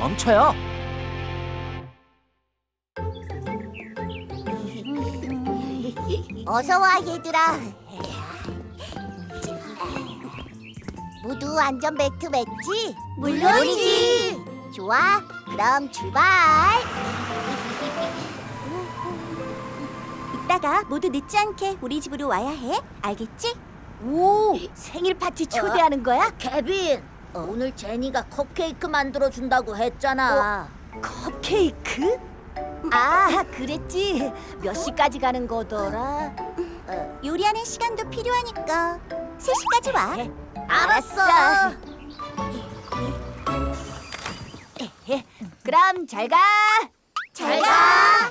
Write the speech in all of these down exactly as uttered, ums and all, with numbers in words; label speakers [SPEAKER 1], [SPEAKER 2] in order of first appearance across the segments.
[SPEAKER 1] 멈춰요.
[SPEAKER 2] 어서 와 얘들아. 모두 안전벨트 맸지?
[SPEAKER 3] 물론이지.
[SPEAKER 2] 좋아, 그럼 출발.
[SPEAKER 3] 이따가 모두 늦지 않게 우리 집으로 와야 해. 알겠지?
[SPEAKER 2] 오, 생일 파티 초대하는 거야?
[SPEAKER 4] 케빈, 오늘 제니가 컵케이크 만들어 준다고 했잖아.
[SPEAKER 2] 컵케이크? 아, 그랬지. 몇 시까지 가는 거더라?
[SPEAKER 3] 요리하는 시간도 필요하니까 세 시까지 와.
[SPEAKER 2] 알았어. 그럼 잘 가.
[SPEAKER 3] 잘 가.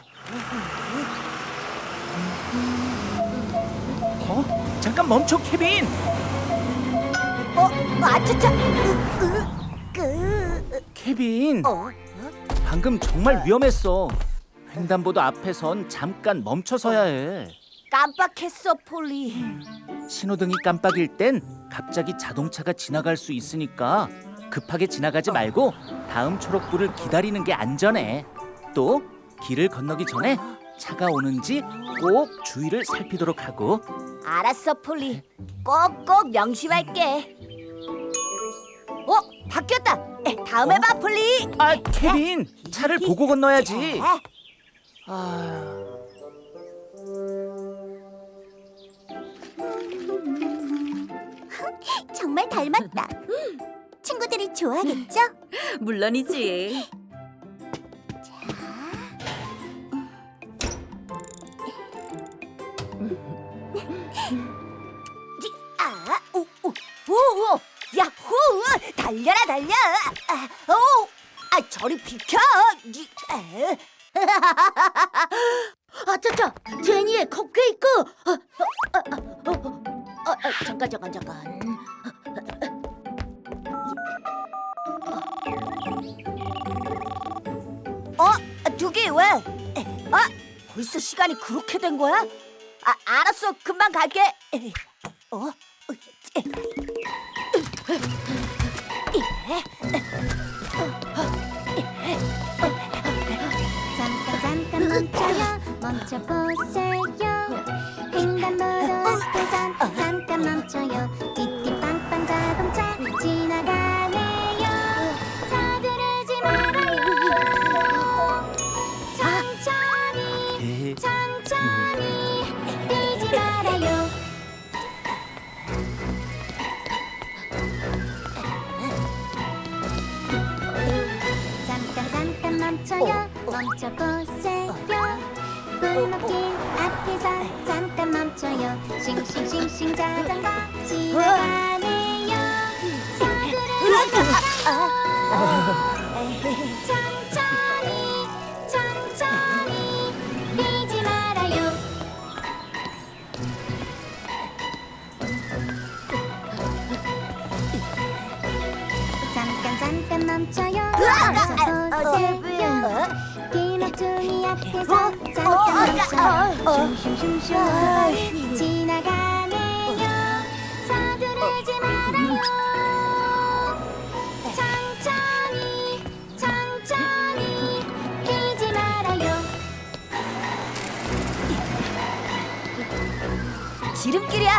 [SPEAKER 1] 어? 잠깐 멈춰, 케빈.
[SPEAKER 2] 어, 아차차. 으, 으, 그,
[SPEAKER 1] 케빈,
[SPEAKER 2] 어?
[SPEAKER 1] 방금 정말 위험했어. 횡단보도 앞에선 잠깐 멈춰서야 해.
[SPEAKER 2] 깜빡했어, 폴리.
[SPEAKER 1] 신호등이 깜빡일 땐 갑자기 자동차가 지나갈 수 있으니까 급하게 지나가지 말고 다음 초록불을 기다리는 게 안전해. 또 길을 건너기 전에 차가 오는지 꼭 주위를 살피도록 하고.
[SPEAKER 2] 알았어, 폴리. 꼭꼭 명심할게. 어, 바뀌었다. 에, 다음에 봐, 폴리.
[SPEAKER 1] 아, 케빈, 차를 보고 건너야지.
[SPEAKER 2] 자,
[SPEAKER 1] 아,
[SPEAKER 3] 정말 닮았다. 친구들이 좋아하겠죠?
[SPEAKER 4] 물론이지.
[SPEAKER 2] 아, 오, 오, 오, 오, 야호! 달려라, 달려! 아, 오, 아, 저리 비켜! 이, 에.
[SPEAKER 4] 아차차, 제니의 컵케이크. 어, 어, 어, 어, 어, 어, 잠깐, 잠깐, 잠깐.
[SPEAKER 2] 어, 두 개 왜? 에, 아, 벌써 시간이 그렇게 된 거야? 아, 알았어, 금방 갈게. 에, 어, 에,
[SPEAKER 3] 잠깐 잠깐 멈춰요. 멈춰보세요. 횡단보도 앞에선 잠깐 멈춰요. 띠띠빵빵 자동차 지나가네요. 서두르지 말아요. 천천히 천천히 뛰지 말아요. 잠깐 잠깐 멈춰요. 멈춰보세요. 골목길 앞에서 잠깐 멈춰요. 싱싱싱싱 자전거 지나가네요. 서두르지 말아요. 천천히 천천히 뛰지 말아요. 잠깐 잠깐 멈춰요. 멈춰보세요. 기막둥이 앞에서 잠깐 멈춰요. 슝슝슝슝 지나가네요. 서두르지 말아요. 천천히 천천히 뛰지 말아요.
[SPEAKER 2] 지름길이야.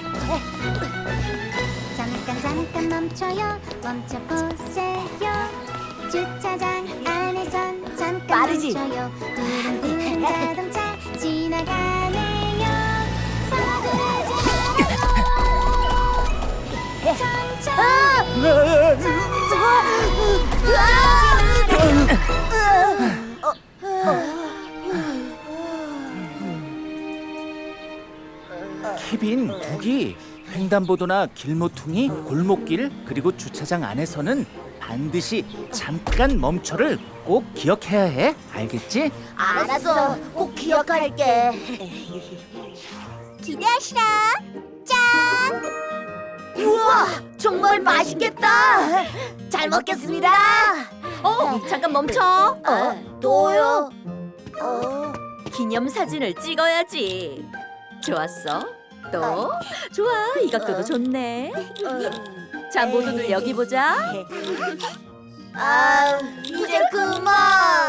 [SPEAKER 3] 잠깐 잠깐 멈춰요. 멈춰보세요. 주차장 안에선 잠깐
[SPEAKER 2] 빠르지?
[SPEAKER 3] 멈춰요. 두릉두릉 자동차 지나가네요. 서두르지 말아요. 천천히
[SPEAKER 1] 케빈, 두기, 횡단보도나 길모퉁이, 골목길, 그리고 주차장 안에서는 반드시 잠깐 멈춰를 꼭 기억해야 해. 알겠지?
[SPEAKER 4] 알았어, 꼭 기억할게.
[SPEAKER 3] 기대하시라. 짠.
[SPEAKER 4] 우와, 정말 맛있겠다. 잘 먹겠습니다. 어, 잠깐 멈춰.
[SPEAKER 2] 어,
[SPEAKER 4] 또요?
[SPEAKER 2] 어,
[SPEAKER 4] 기념 사진을 찍어야지. 좋았어. 또 좋아. 이 각도도 좋네. 자, 모두들 여기 보자.
[SPEAKER 2] 아, 이제 그만.